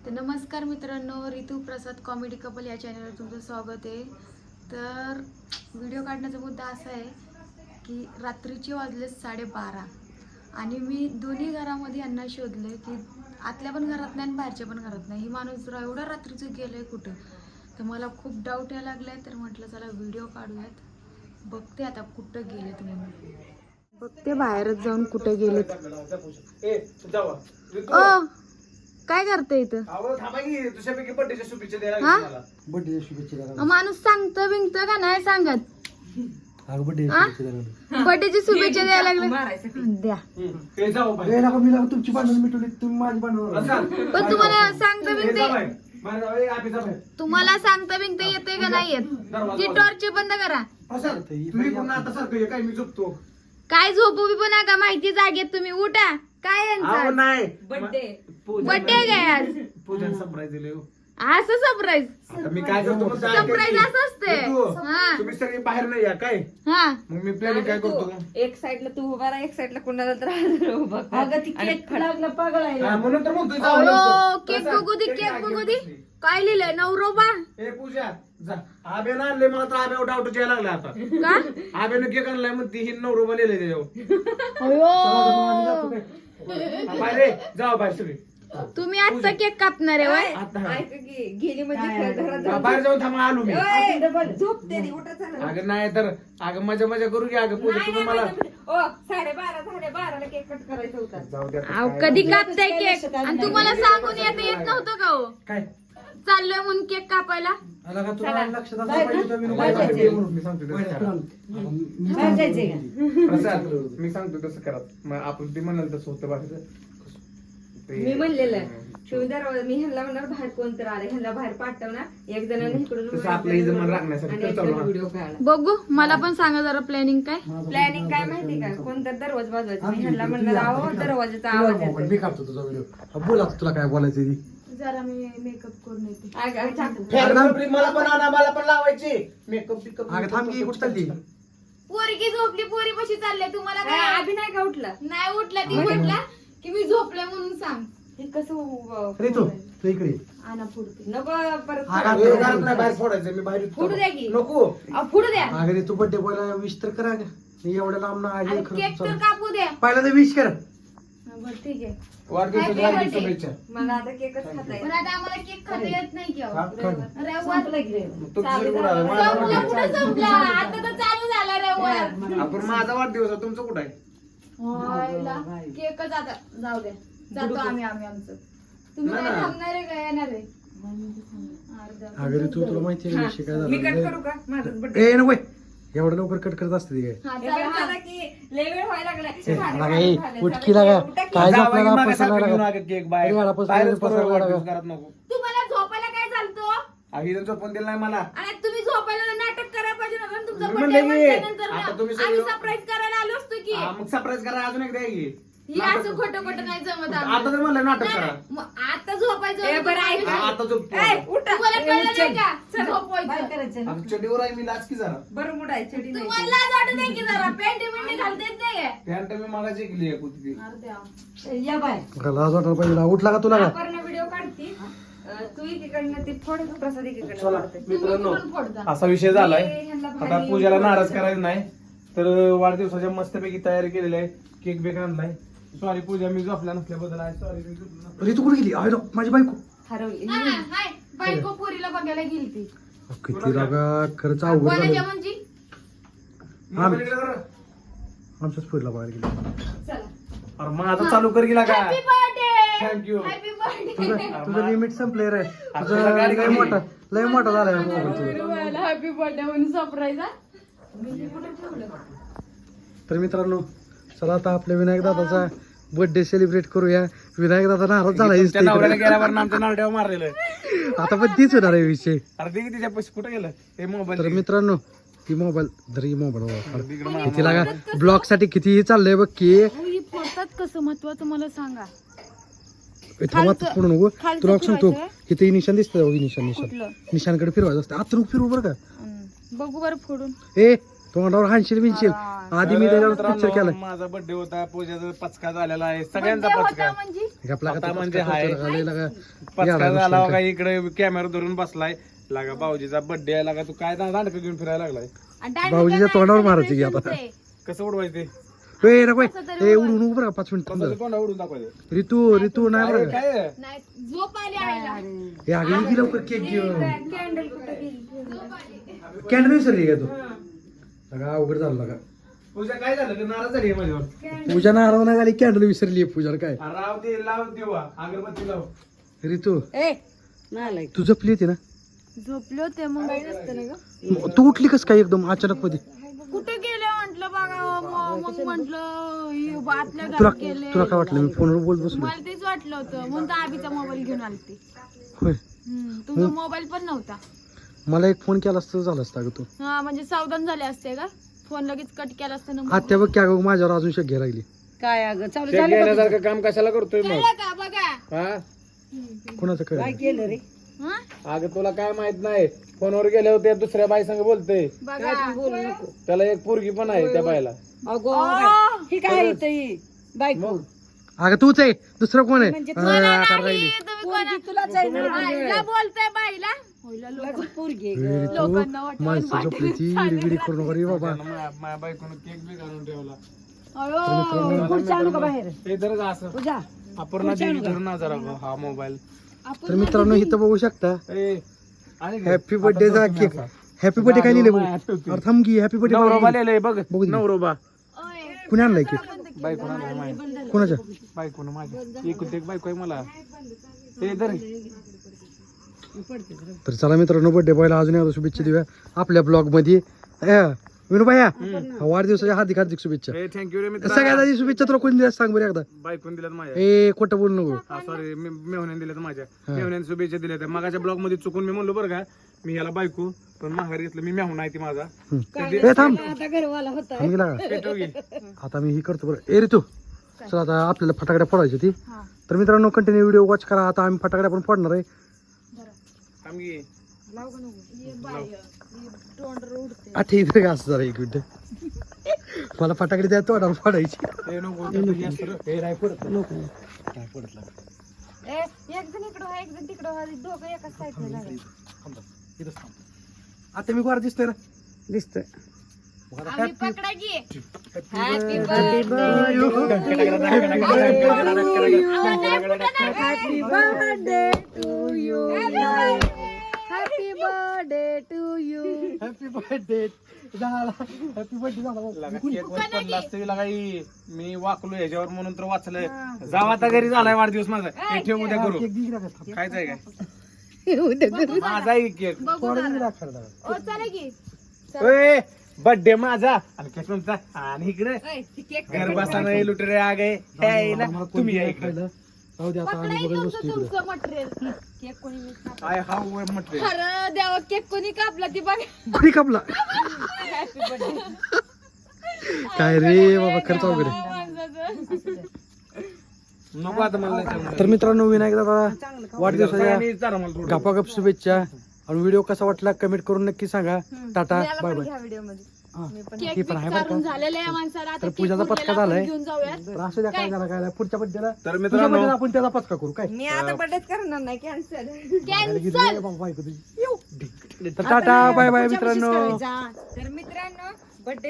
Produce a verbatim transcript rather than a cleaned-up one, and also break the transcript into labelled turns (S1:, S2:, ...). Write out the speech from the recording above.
S1: तर नमस्कार मित्रांनो, ऋतू प्रसाद कॉमेडी कपल या चॅनलवर तुमचं स्वागत आहे। तर व्हिडिओ काढण्याचा मुद्दा असा आहे की रात्रीचे वाजले साडेबारा आणि मी दोन्ही घरामध्ये यांना शोधले की आतल्या पण घरात नाही आणि बाहेरच्या पण घरात नाही। ही माणूस एवढा रात्रीचं गेलंय कुठं, तर मला खूप डाऊट यायला लागलाय। तर म्हटलं चला व्हिडिओ काढूयात, बघते आता कुठं गेलेत म्हणून, बघते बाहेरच जाऊन कुठे गेलेत। ओ काय करते इथं? माणूस सांगतो बिंगत का नाही सांगत? बर्थडेची शुभेच्छा द्यायला लागले द्या। पण तुम्हाला सांगता बिंगते तुम्हाला सांगता बिंगते येते का नाही येत? ती टॉर्च बंद करा। काय झोपू बी पण नका, माहिती जागेत तुम्ही उठा। काय
S2: नाही
S1: बर्थडे बर्थडे काय आज?
S2: पूजन सरप्राईज दिले
S1: असं सरप्राईज?
S2: मी काय करतो
S1: सरप्राईज असं असते।
S2: तुम्ही सगळे बाहेर नाही या काय?
S1: हा
S2: मग मी प्लॅनिंग काय करतो,
S3: एक साइडला तू उभा राहा, एक साइडला कोणाला तर उभा
S2: म्हणून तर म्हणतोय
S1: केक बघू दे, केक बघू दे। काय लिहिलंय? नवरोबा।
S2: हे पूजा जा, आबेनं आणले मला तर आब्यावर डाऊट यायला लागला आता।
S1: का
S2: आबेनं केक आणलाय म्हणते ही नवरोबा लिहिलंय त्याच्यावर।
S1: अयो
S2: बाहेर जाऊ बाहेर सगळे।
S1: तुम्ही आजचा केक कापणार आहे?
S3: ऐक की गेली म्हणजे घरात
S2: बाहेर जाऊन थांबा, आलो मी।
S3: झोपते रे, उठा चला।
S2: अगं नाही तर अगं मजा मजा करू घ्या। अगं पूजा तुम्ही मला
S3: ओ साडेबारा साडेबाराला केक कट करायचा होता।
S2: जाऊ द्या
S1: अहो कधी कापताय केक? आणि तुम्हाला सांगून येत येत नव्हतं का हो?
S2: काय
S1: चाललोय म्हणून केक कापायला?
S2: प्रसाद मी सांगतो तसं करा, मग आपण ते म्हणाल तसं होतं बाहेर।
S3: मी म्हणलेलं शिवदार मी ह्यांना म्हणणार बाहेर कोणतर आले, ह्यांना बाहेर पाठवणार एक जणांनी इकडून
S2: आपलं इथं मन राखण्यासाठी
S3: व्हिडिओ काढला।
S1: बघू, मला पण सांगा जरा प्लॅनिंग काय?
S3: प्लॅनिंग काय माहिती का? कोणतर दरवाजा वाजवायचा, मी ह्यांना म्हणणार आहो दरवाजाचा आवाज येतो।
S4: मी कापतो तुझा व्हिडिओ, बोला तुला काय बोलायचं ती।
S1: जरा मी मेकअप करून येते।
S3: अगं, चाकू.
S2: मला पण आणा, मला पण लावायची मेकअप बिकअप।
S4: अगं थांब की, कुठं चालली?
S1: पोरगी झोपली, पोरी पशी चालले। तुम्हाला
S3: काय
S1: काय
S3: अभिनय का उठला?
S1: नाही उठला? ती म्हटला की मी झोपले म्हणून सांग।
S3: हे कसं उभं-
S4: अरे तू तू इकडे
S1: आणा फुडते।
S3: नको परत
S4: आगा,
S2: हे घरात नाही, बाहेर फोडायचं मी बाहेर
S3: फुडू द्या की.
S2: नको।
S1: अहो, फुडू द्या
S4: अगं तू बर्थडे बॉयला विश तर करा ग। एवढ्या लांब ना आली
S1: आणि केक तर कापू द्या।
S4: पहिला तर विश कर।
S1: हा, बरं ठीक आहे।
S2: वाढदिवसाच्या
S1: Happy
S2: हार्दिक
S1: birthday.
S2: शुभेच्छा।
S3: मला आता केकच खाता येईल.
S1: पण आता आम्हाला केक खाता येत नाही की अहो.
S2: हा, खा.
S1: रविवार
S2: मग तुमचं कुठं आलं? माझा
S1: संपला
S2: वाढदिवस.
S1: कुठं संपला? आता तर चालू झाला रविवार।
S2: आपण माझा वाढदिवस आहे, तुमचं कुठं आहे?
S1: व्हायला केकच आता जाऊ द्या, जातो आम्ही आम्ही आमचं। तुम्ही
S2: नाही
S1: काय
S2: ना.
S1: थांबणार आहे का येणार आहे?
S4: अगं तू तुला माहिती आहे विषय काय
S3: मी कट
S4: झाला?
S3: करू का माझं birthday?
S4: ए नको एवढं लवकर कट करत असते ती काय?
S1: हा,
S3: हे
S1: चला,
S3: बघ
S1: हा.
S3: मला की लय वेळ व्हायला लागलाय.
S4: ए,
S3: साडेबारा
S4: लागा, ए,
S3: झाले,
S4: उठकी
S3: साडेबारा.
S4: लागा.
S3: उठा की.
S4: काय
S2: जावई
S4: झोपला ना,
S2: मागासारखं
S4: पसायला
S2: घेऊन
S4: लागा.
S2: आगे केक बाहेर.
S4: अरे, वाला
S2: बाहेरच
S4: पसायला
S2: करू
S4: लागा.
S2: वाढदिवस, घरात नको।
S1: तुम्हाला झोपायला काय चालतं?
S2: अहो, इथं झोपून दिलं नाही मला।
S1: आणि तुम्ही झोपायला नाटक करायला पाहिजे ना, कारण तुमचा
S2: मी
S1: birthday
S2: म्हणलं की,
S1: म्हटल्यानंतर
S2: आता
S1: ना,
S2: तुम्ही
S1: आम्ही
S2: सगळे-
S1: सरप्राईज करायला आलो असतो की।
S2: हा, मग सरप्राईज करा अजून एकदा आहे की.
S1: ही असं खोटं खोटं नाही जमत आम्हाला.
S2: आता तर म्हणलं नाटक
S1: नाही,
S2: करा।
S1: नाही, मग आता झोपायचं
S3: ए, बरं ऐक.
S2: हा, आता झोपतो
S3: ए,
S2: आता.
S3: उठा.
S1: तुम्हाला
S3: ए,
S1: कळलं नाही
S3: उचल.
S1: का झोपवायचं?
S2: आता चड्डीवर आहे मी, लाच की जरा।
S3: बरं मुडाय चढी नाही.
S1: तुम्हाला लाज वाटत नाही की जरा पेंटी पेंटी घालता येत नाही काय?
S2: पॅन्ट मी मागाची केली आहे कुठली.
S1: अरे देवा.
S4: लाज वाटायला पाहिजे ना. उठला का तुला का?
S3: आपण व्हिडिओ काढती अं, तू एकीकडनं ती फोड, प्रसाद एकीकडनं
S2: चला
S3: फोडते.
S2: मित्रांनो,
S1: तुम्ही पण फोडता.
S2: असा विषय झालाय।
S3: हे ह्यांना
S2: आता
S3: भारी-
S2: पूजाला नाराज करायचं नाही, तर वाढदिवसाच्या मस्तपैकी तयारी केलेली आहे। केक बेक आणलाय। सॉरी पूजा, मी झोपल्या नसल्याबद्दल आहे सॉरी। मी झोपलो नसल्याबद्दल.
S4: अरे तू कुठे गेली? अरे माझी बायको
S3: हरवली.
S1: हा, हा, हाय. बायको पोरीला बघायला गेली ती।
S4: किती लागा, खरंच अवघड
S1: कोणाच्या
S4: झालं.
S1: म्हणजे?
S2: मोबाईल इकडे कर.
S4: आमच्याच पुरीला बघायला गेली.
S3: चला.
S2: अरे माझा चालू कर गेला का?
S1: Happy birthday.
S2: Thank you.
S1: Happy birthday.
S4: तुझं तुझं लिमिट संपले रे.
S2: तुला
S4: तुझं
S2: गाडी
S4: लय
S2: गाडी.
S4: मोठा लय मोठा झालाय मोबाईल तुझा.
S1: हॅपी बर्थडे म्हणून सरप्राईज.
S4: तर मित्रांनो, चला आता आपल्या विनायक दादाचा बर्थडे सेलिब्रेट करूया. विनायक दादा नाराज झाला
S2: तुमच्या नवऱ्याला
S4: इथे.
S2: गेल्यावर आमच्या नारड्यावर मारलेलं।
S4: आता पण तीच होणार आहे विषय.
S2: अरे ते तिच्या पैसे कुठे गेलं हे
S4: तर
S2: मोबाईल?
S4: मित्रांनो, ती मोबाईल जरी मोबाईल
S2: तिकडे
S4: किती लागा ब्लॉग साठी कितीही चाललंय बघ की.
S1: ही फोडतात कसं महत्वाचं मला सांगा.
S4: थांबात पुढे नको
S1: खालचं
S4: तुला सांगतो.
S1: फिरवायचं
S4: इथे निशाण दिसतं बघ, निशाण निशाण
S1: कुठलं?
S4: निशाणकडे फिरवायचं असतं. आता नको फिरवू बरं का.
S1: हम्म. बघू बरं फोडून.
S4: ए तोंडावर हाणशील बिनशील आधी मी त्याच्यावर पिक्चर
S2: मित्रांनो,
S4: केलाय
S2: माझा बर्थडे होता पूजाचा पचका झालेला आहे सगळ्यांचा
S1: Birthday
S2: पचका
S1: होता म्हणजे
S4: आपला
S2: आता
S4: का
S2: म्हणजे
S4: पचका
S2: हाय.
S4: पचका लागला का?
S2: पचका
S4: याला
S2: झाला
S4: दुसरं
S2: बघा
S4: काय?
S2: इकडे कॅमेरा धरून बसलाय लागा भाऊजीचा बर्थडे आहे लागा तू काय दांडक घेऊन फिरायला लागलाय
S1: आणि डायरेक्ट
S4: भाऊजीच्या
S1: नाही,
S4: तोंडावर मारायची की आता.
S1: celebrationचं आहे.
S2: कसं उडवायचं ते
S4: ए नको ए उडून उभं राहा पाच मिनिट
S2: कसं तोंडा उडून दाखवायचं
S4: ऋतू ऋतू नाही
S2: काय
S4: बरं
S2: काय
S1: नाही झोप आली आईला.
S4: हे आगे की लवकर केक घेऊन
S3: कॅन्डल कुठे गेली
S4: कॅन्डल विसरली का तू सगळा अवघड झालं का
S2: पूजा काय झालं की नाराज झाली आहे माझ्यावर
S4: पूजा नाराज नाही झाली कॅन्डल विसरली पूजा काय
S2: अरे राव ते लाव देवा अगरबत्ती लाव
S4: ऋतू
S3: ए नाही
S4: तू जपली होती ना
S1: झोपले होते मग काही नसतं ना ग.
S4: तू उठली कस काय एकदम अचानक मध्ये
S1: कुठे गेले म्हंटल बघा म- मग म्हंटल आतल्या
S4: तुला
S1: घरात गेले
S4: तुला काय वाटलं मी फोनवर बोलत बसलो
S1: मला तेच वाटलं होतं म्हणून तर आबीचा मोबाईल घेऊन आलते
S4: होय
S1: हम्म, तुमचा मोबाईल पण नव्हता
S4: मला एक फोन केला असतं झालं असतं अगं तू
S1: हा म्हणजे सावधान झाले असते का फोन लगेच कट केला असतं ना
S4: आत्या बघ की अगं माझ्यावर अजून शक घे राहिली
S3: काय अगं चालू
S2: शेक घेण्यासारखं काम कशाला करतोय मग
S1: कळलं का बघा
S2: हा
S4: कोणाचं कळ
S3: केलं रे
S1: हा?
S2: अगं तुला काय माहित नाही फोनवर गेले होते दुसऱ्या बाई संग बोलतोय
S1: बघा
S3: बोलू नको
S2: त्याला एक पोरगी पण आहे त्या बाईला
S3: अगो
S1: आ,
S3: ही काय येत बायको
S4: अगं तूच आहे दुसरं कोण आहे
S3: म्हणजे
S4: हा, आकार राहिली
S1: नाही, तुम्ही कोणा-
S3: तुलाच आहे ना
S1: बाईला बोलताय बाईला होईला लोक-
S3: लगेच पोरगी आहे
S4: ए,
S3: ग.
S4: ऋतू
S1: लोकांना वाटेल
S4: माणसं झोपली ती विडी करू नको रे बाबा
S2: माझ्या बायकोनं केक बी घालून ठेवला
S1: अयो,
S3: खुर्ची आणू का बाहेर
S2: हे तर असं
S3: पूजा
S2: अपर्णा देवी धरून आजार हा मोबाईल
S4: तर मित्रांनो इथं बघू शकता
S2: ए आणि
S4: हॅपी बर्थडेचा केक हॅपी बर्थडे काय लिहिले बघू अरे थांब की हॅपी
S2: नवरोबा
S4: बर्थडे
S2: लिहिलंय बघ
S4: बघू दे.
S2: नवरोबा
S1: ओय,
S4: कुणी आणलाय केक
S2: बायकोनं आणलाय माझ्या
S4: कोणाच्या
S2: बायकोनं माझ्या एकूण एक बायको आहे मला हे धर
S4: तर चला मित्रांनो बर्थडे बॉयला अजून एकदा शुभेच्छा देऊया आपल्या ब्लॉग मध्ये ए, विनू भाया वाढदिवसाच्या हार्दिक हार्दिक शुभेच्छा
S2: ए थँक्यू रे मित्र
S4: सगळ्यात आधी शुभेच्छा तुला कोणी दिल्या सांग बरं एकदा
S2: बायकोन दिल्यात माझ्या
S4: ए खोटं बोलू नको
S2: हा सॉरी मेहण्याने दिल्यात माझ्या मेहण्याने शुभेच्छा दिल्यात मागाच्या ब्लॉग मध्ये चुकून मी म्हणलो बरं का मी याला बायको पण माघार घेतलं मी मेहून आहे ती माझा
S4: ए थांब
S3: आता घरवाला होता
S4: थांब गेला का
S2: पेटव घे.
S4: आता मी ही करतो बरं ए रे तू चला आता आपल्याला फटाकड्या फोडायची ती
S1: हा.
S4: तर मित्रांनो कंटिन्यू व्हिडिओ वॉच करा आता आम्ही फटाकड्या पण फोडणार आहे
S2: थांब घे.
S1: ये बाई, ये तोंड उडते.
S4: आता इथे का असं जरा एक मिनिट मला फटाकडे द्या तोंडावर फोडायची
S2: ए, नको, नको, हे असं रे.
S4: ए, नाही फोडत नको नाही फोडत लागत.
S1: ए, एक जण इकडं व्हा, एक जण तिकडं व्हा, दोघं एकाच साईडला झाले.
S4: थांब, थांब. इथंच थांब. आता मी गोरा दिसतोय ना
S3: दिसतोय
S1: आम्ही पकडा की
S3: happy
S1: happy birthday to you happy birthday to you
S4: happy birthday झाला हॅपी बर्थडे झाला
S2: लगा केक वर पडला असतं लगा ही. मी वाकलो याच्यावर म्हणून तर वाचलंय जाऊ आता घरी झालाय वाढदिवस माझा हे ठेव उद्या करू
S4: केक दिली का थांब.
S2: खायचं आहे काय माझा आहे केक
S1: बघू
S4: थोडं
S1: जरा.
S4: दिली का खायला?
S1: ओ चला की
S2: बर्थडे माझा आणि केक तुमचा आणि इकडे
S1: ओय, ती केक
S2: घर बसाना लुटरे आ गए हे ना,
S4: मला कोण
S2: तुम्ही या
S4: दिलं
S2: इकडे
S4: खायला? जाऊ दे आता
S1: पकडा
S4: आम्ही
S1: हे
S4: बघत
S1: तुमचं
S4: बसतो इकडे
S1: तुमचं मटेरियल केक कोणी मिस कापला?
S2: आय हा म्हटले
S1: खरं देवा केक कोणी कापला ती बघ
S4: कोणी कापला काय रे बाबा खर्च वगैरे
S2: नको आता मला नाही
S4: तर मित्रांनो विनायक दादा वाढदिवसाच्या
S2: आणि जरा मला थोडं.
S4: गपागप शुभेच्छा आणि व्हिडिओ कसा वाटला कमेंट करून नक्की सांगा टाटा बाय बाय हा.
S1: केक
S4: ही पण आहे बरं
S1: काढून
S4: का
S1: झालेलं आहे माणसाला आता
S4: तर
S1: केक
S4: पूजाचा
S1: उरलेला
S4: पत्का
S1: आपण
S4: झालाय.
S1: घेऊन जाऊयात
S4: तर असं द्या काय झालं काय झालं? पुढच्या बड्डेला
S2: तर
S4: तुझ्या
S2: मित्रांनो
S4: बड्डेला आपण त्याचा पत्का करू काय
S3: मी आता बर्थडेच करणार नाही कॅन्सल
S1: कॅन्सल
S4: बाबा बायको तुझी. तर टाटा बाय बाय मित्रांनो
S3: तर मित्रांनो बर्थडे